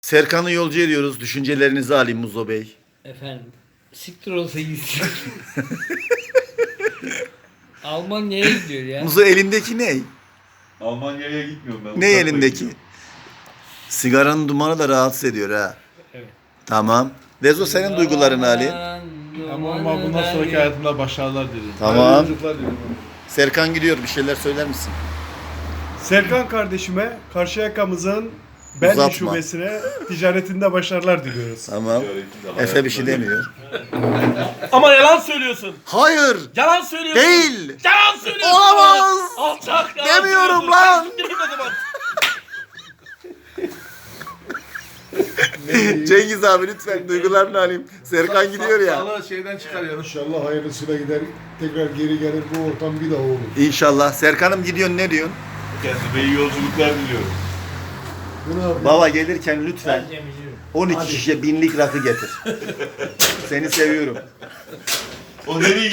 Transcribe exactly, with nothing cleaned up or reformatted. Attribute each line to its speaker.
Speaker 1: Serkan'ı yolcu ediyoruz. Düşüncelerinizi alayım Muzo Bey.
Speaker 2: Efendim, siktir olsa gitsin. Almanya'ya gidiyor ya.
Speaker 1: Muzo elindeki ne?
Speaker 3: Almanya'ya gitmiyorum ben.
Speaker 1: Ne
Speaker 3: Uzaklara
Speaker 1: elindeki?
Speaker 3: gidiyorum.
Speaker 1: Sigaranın dumanı da rahatsız ediyor ha.
Speaker 2: Evet.
Speaker 1: Tamam. Dezo senin duyguların Ali.
Speaker 4: Ama, ama bundan sonraki hayatımda başarılar diliyorum.
Speaker 1: Tamam.
Speaker 4: Hayırlı yolculuklar diliyorum.
Speaker 1: Serkan gidiyor. Bir şeyler söyler misin?
Speaker 5: Serkan kardeşime Karşıyaka'mızın Belli
Speaker 1: Uzatma.
Speaker 5: şubesine ticaretinde başarılar diliyoruz.
Speaker 1: Tamam.
Speaker 3: Ticaretinde
Speaker 1: Efe bir şey
Speaker 3: hayatımda-
Speaker 1: demiyor.
Speaker 4: Ama yalan söylüyorsun.
Speaker 1: Hayır.
Speaker 4: Yalan söylüyorsun.
Speaker 1: Değil.
Speaker 4: Yalan söylüyorsun.
Speaker 1: Olamaz.
Speaker 4: Alçak yalan
Speaker 1: Demiyorum
Speaker 4: söylüyorsun.
Speaker 1: lan.
Speaker 4: Sen siktir git o zaman.
Speaker 1: Cengiz abi lütfen duygularını alayım. Serkan gidiyor ya.
Speaker 4: Sağlığı şeyden çıkarıyorum.
Speaker 6: İnşallah hayırlısıyla gider, tekrar geri gelir, bu ortam bir daha olur.
Speaker 1: İnşallah. Serkan'ım gidiyorsun, ne diyorsun?
Speaker 3: Kendime iyi yolculuklar diliyorum.
Speaker 6: Bunu abi,
Speaker 1: Baba gelirken lütfen
Speaker 2: Ben Cemil'im.
Speaker 1: on iki şişe binlik rakı getir. Seni seviyorum.
Speaker 3: O nereye